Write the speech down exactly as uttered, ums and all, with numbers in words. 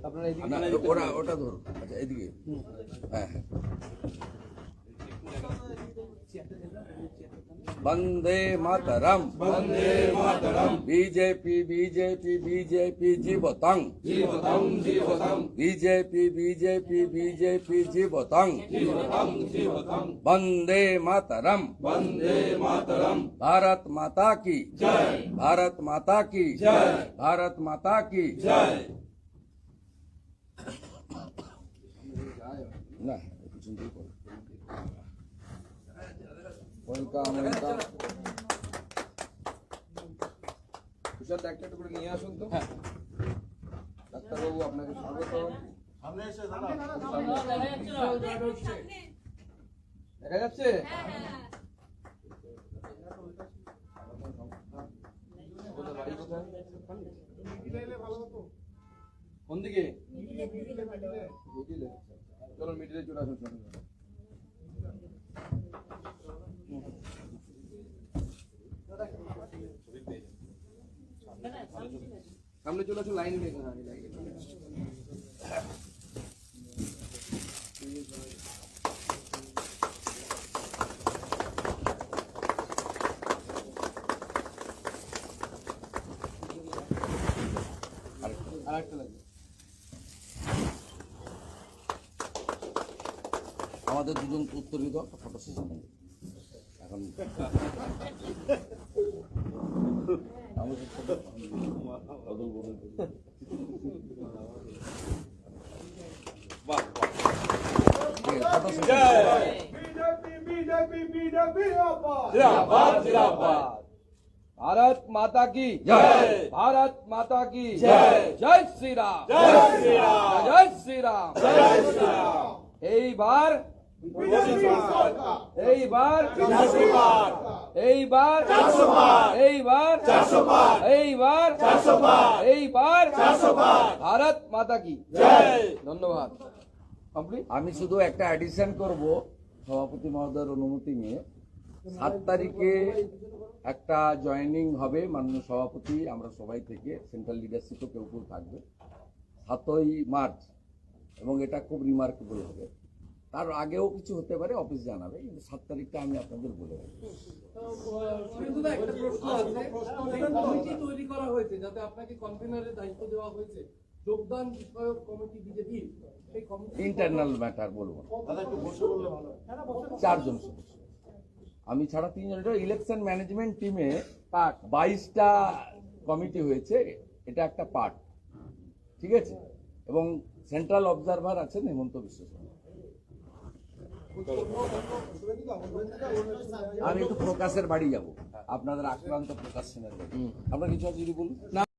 আপনারা এদিকে না, ওটা ওটা ধরুন। আচ্ছা এদিকে। হ্যাঁ হ্যাঁ। वंदे मातरम वंदे मातरम बीजेपी बीजेपी बीजेपी जीवतं जीवतं जीवतं बीजेपी बीजेपी बीजेपी जीवतं जीवतं जीवतं वंदे मातरम वंदे मातरम भारत माता की जय भारत माता की जय भारत माता की जय ना ওয়েলকাম ওয়েলকাম তুষার ডাক্তারটা করে নিয়ে আসুন তো। হ্যাঁ ডাক্তারবাবু আপনাকে স্বাগত। সামনে এসে দেখা যাচ্ছে? বাড়ি কোথায়? কোন দিকে? চলো মিডিলে চলে আসুন। সামনে চলে আসুন, লাইন দিয়ে আরেকটা লাগবে। আমাদের দুজন উত্তরিত ফটো সেশন এখন আমাদের বদল বদল বাহ बीजेपी बीजेपी बीजेपी जिंदाबाद जिंदाबाद। भारत माता की जय भारत माता की जय जय श्री राम जय श्री राम जय श्री राम जय श्री राम এইবার बीजेपी सरकार এইবার चारशो पार এইবার चारशो पार এইবার चारशो पार এইবার चारशो पार এইবার चारशो पार ভারত মাতা কি जय ধন্যবাদ। কমপ্লিট। আমি শুধু একটা অ্যাডিশন করব সভাপতি মহোদয়ের অনুমতি নিয়ে। সাত তারিখে একটা জয়েনিং হবে মাননীয় সভাপতি আমরা সবাই থেকে, সেন্ট্রাল লিডারশিপও কেউ কেউ থাকবে সাতই মার্চ, এবং এটা খুব রিমার্কেবল হবে। তার আগেও কিছু হতে পারে, অফিস জানাবে, কিন্তু সাত তারিখটা আমি আপনাদের বলে দেবো। একটা প্রশ্ন আছে, যে কমিটি তৈরি করা হয়েছে যাতে আপনাকে কনভেনারের দায়িত্ব দেওয়া হয়েছে, যোগদান বিষয়ক কমিটি বিজেপি, সেই কমিটি ইন্টারনাল ম্যাটার বলবো না, চারজন সদস্য আমি ছাড়া তিনজন। এটা ইলেকশন ম্যানেজমেন্ট টিমে পার্ট বাইশটা কমিটি হয়েছে, এটা একটা পার্ট, ঠিক আছে। এবং সেন্ট্রাল অবজারভার আছেন হেমন্ত বিশ্ব শর্মা। আমি একটু প্রকাশের বাড়ি যাব, আপনাদের আক্রান্ত প্রকাশ সেনের বাড়ি। আপনার কিছু আছে যদি বলুন না।